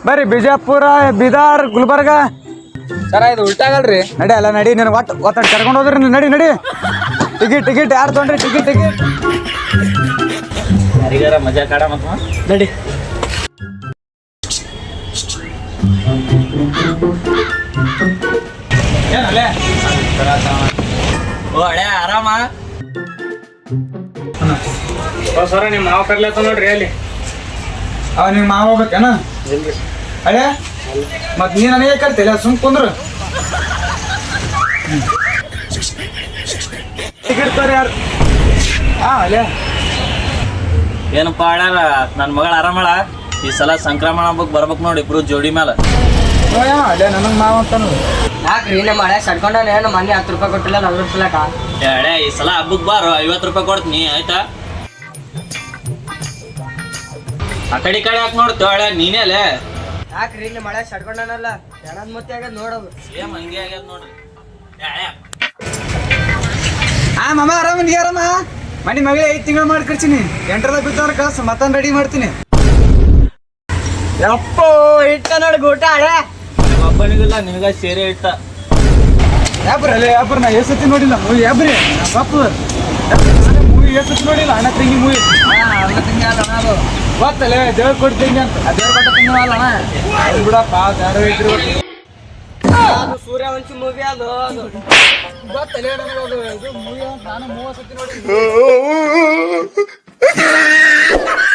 ಬರ್ರಿ ಬಿಜಾಪುರ ಬೀದರ್ ಗುಲ್ಬರ್ಗ. ಸರ ಇದು ಉಲ್ಟಾಗಲ್ರಿ. ನಡಿ ಅಲ್ಲ ನಡಿ ನೀನು ಒತ್ತಡ ಕರ್ಕೊಂಡು ಹೋದ್ರಿ. ನಡಿ ನಡಿ. ಟಿಕೆಟ್ ಯಾರು ತೊಗೊಂಡ್ರಿ? ಟಿಕೆಟ್ ಯಾರಿಗಾರ ಮಜಾ ಕಾಡ ಮತ್ತ ನಡಿ. ಏನಲ್ಲೇ ಓ ಹಳೆ ಆರಾಮ. ಸರ ನಿಮ್ಮ ಮಾವ ಕರ್ಲತ್ತ ನೋಡ್ರಿ ಅಲ್ಲಿ. ಅವ ನಿಮ್ಮ ಮಾವ ಹೋಗ್ಬೇಕೇನ? ಅಳೆ ಮತ್ ನೀ ನನಗೆ ಕರ್ತಿಲ್ಲ, ಸುಮ್ ಕುಂದ್ರು. ಟಿಕೆಟ್ ತೋರಿ ಯಾರು? ಅಲ್ಲೇ ಏನಪ್ಪ ಹಳ್ಯಾರ ನನ್ನ ಮಗಳ ಆರಾಮಳ. ಈ ಸಲ ಸಂಕ್ರಮಣ ಹಬ್ಬಕ್ಕೆ ಬರ್ಬೇಕು ನೋಡಿ ಇಬ್ರು ಜೋಡಿ ಮೇಲೆ. ಅಲ್ಲೇ ನನಗೆ ಮಾವ ಅಂತಾನು. ಯಾಕ್ರಿ ನಮ್ಮ ಹಳೆ ಸಡ್ಕೊಂಡಾನೆ ನಮ್ಮ ಮನೆ 10 ರೂಪಾಯಿ ಕೊಟ್ಟಿಲ್ಲ 40 ರೂಪಾಯಿ. ಹಳೆ ಈ ಸಲ ಹಬ್ಬಕ್ಕೆ ಬಾರು 50 ರೂಪಾಯಿ ಕೊಡ್ತೀನಿ ಆಯ್ತಾ. ಆ ಕಡೆ ಯಾಕೆ ನೋಡ್ತು ಹಳೆ ನೀನೇ ಅಲ್ಲೇ. ಯಾಕ್ರಿ ನಮ್ಮ ಹಳೆ ಸಡ್ಕೊಂಡಾನಲ್ಲ ಎಣದ್ ಮತ್ತೆ ಆಗ್ಯದ ನೋಡೋದು. ಸೇಮ್ ಹಂಗೆ ಆಗ್ಯದ ನೋಡ್ರಿ. ಮಾಮ ಆರಾಮ? ನೀ ಆರಾಮ? ಮನೆ ಮಗಳೇ 5 ತಿಂಗಳು ಮಾಡಿ ಕಳ್ಸೀನಿ. 8ರದ ಬಿದ್ದವ್ರ ಕಳ್ಸ ಮತ್ತೊಂದು ರೆಡಿ ಮಾಡ್ತೀನಿ. ಯಪ್ಪೋ ಇಟ್ಟ ನೋಡಿ ಊಟ ಹಳೆ. ಒಬ್ಬನಿಗಿಲ್ಲ ನಿನಗ ಸೇರೆ ಇಟ್ಟ. ಯಾಬ್ರ ನಾ ಎಸತಿ ನೋಡಿಲ್ಲ ಮೂವಿ. ಯಾಬ್ರಿ ಪಾಪ ಮೂವಿ ಎಸತಿ ನೋಡಿಲ್ಲ. ಅಣ್ಣ ತಂಗಿ ಮೂವಿ ಗೊತ್ತಲ್ಲ, ದೇವ್ರ ಕೊಡ್ತೀನಿ ಅಂತ. ದೇವ್ರ ಕೊಟ್ಟ ತಿಂಗಳಲ್ಲ ಅಣ್ಣ ಬಿಡಪ್ಪ. ದಾರ ಇದ್ರು ಅದು ಸೂರ್ಯವಂಶಿ ಮೂವಿ ಅದು ಗೊತ್ತಲ್ಲ ನನಗೆ ಅದು ಮೂವಿ. ನಾನು 30 ಸತಿ ನೋಡಿ.